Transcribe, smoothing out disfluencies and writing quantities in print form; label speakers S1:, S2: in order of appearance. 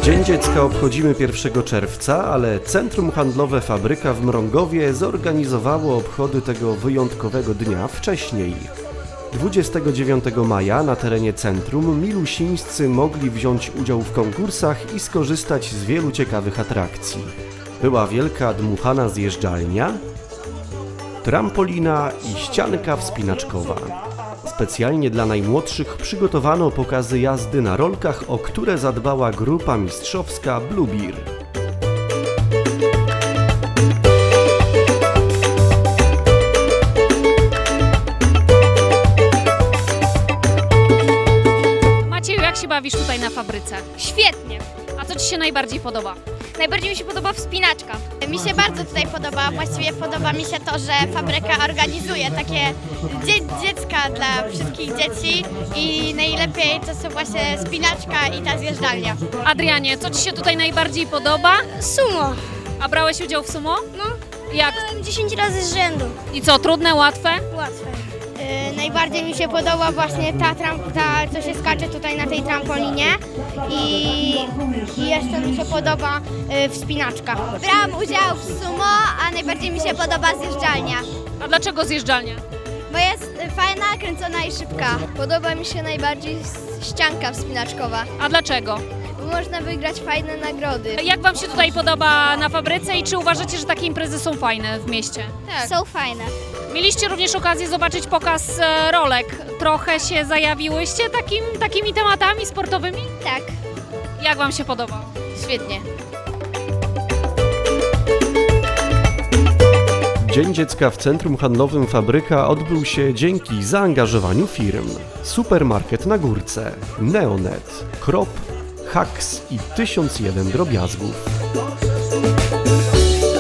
S1: Dzień Dziecka obchodzimy 1 czerwca, ale Centrum Handlowe Fabryka w Mrągowie zorganizowało obchody tego wyjątkowego dnia wcześniej. 29 maja na terenie centrum milusińscy mogli wziąć udział w konkursach i skorzystać z wielu ciekawych atrakcji. Była wielka dmuchana zjeżdżalnia, trampolina i ścianka wspinaczkowa. Specjalnie dla najmłodszych przygotowano pokazy jazdy na rolkach, o które zadbała grupa mistrzowska Bluebeer.
S2: Macieju, jak się bawisz tutaj na fabryce?
S3: Świetnie.
S2: A co Ci się najbardziej podoba?
S3: Najbardziej mi się podoba wspinaczka. Mi się bardzo tutaj podoba, właściwie podoba mi się to, że fabryka organizuje takie dziecka dla wszystkich dzieci i najlepiej to są właśnie spinaczka i ta zjeżdżalnia.
S2: Adrianie, co Ci się tutaj najbardziej podoba?
S3: Sumo.
S2: A brałeś udział w sumo?
S3: No,
S2: Jak?
S3: 10 razy z rzędu.
S2: I co, trudne, łatwe?
S3: Łatwe. Najbardziej mi się podoba właśnie ta, co się skacze tutaj na tej trampolinie i jeszcze mi się podoba wspinaczka. Brałam udział w sumo, a najbardziej mi się podoba zjeżdżalnia,
S2: A dlaczego zjeżdżalnia?
S3: bo jest fajna, kręcona i szybka. Podoba mi się najbardziej ścianka wspinaczkowa,
S2: A dlaczego?
S3: bo można wygrać fajne nagrody.
S2: Jak Wam się tutaj podoba na fabryce i czy uważacie, że takie imprezy są fajne w mieście?
S3: Są fajne.
S2: Mieliście również okazję zobaczyć pokaz rolek. Trochę się zajawiłyście takimi tematami sportowymi?
S3: Tak.
S2: Jak Wam się podoba?
S3: Świetnie.
S1: Dzień Dziecka w Centrum Handlowym Fabryka odbył się dzięki zaangażowaniu firm. Supermarket na Górce, Neonet, Krop, Haks i 1001 drobiazgów.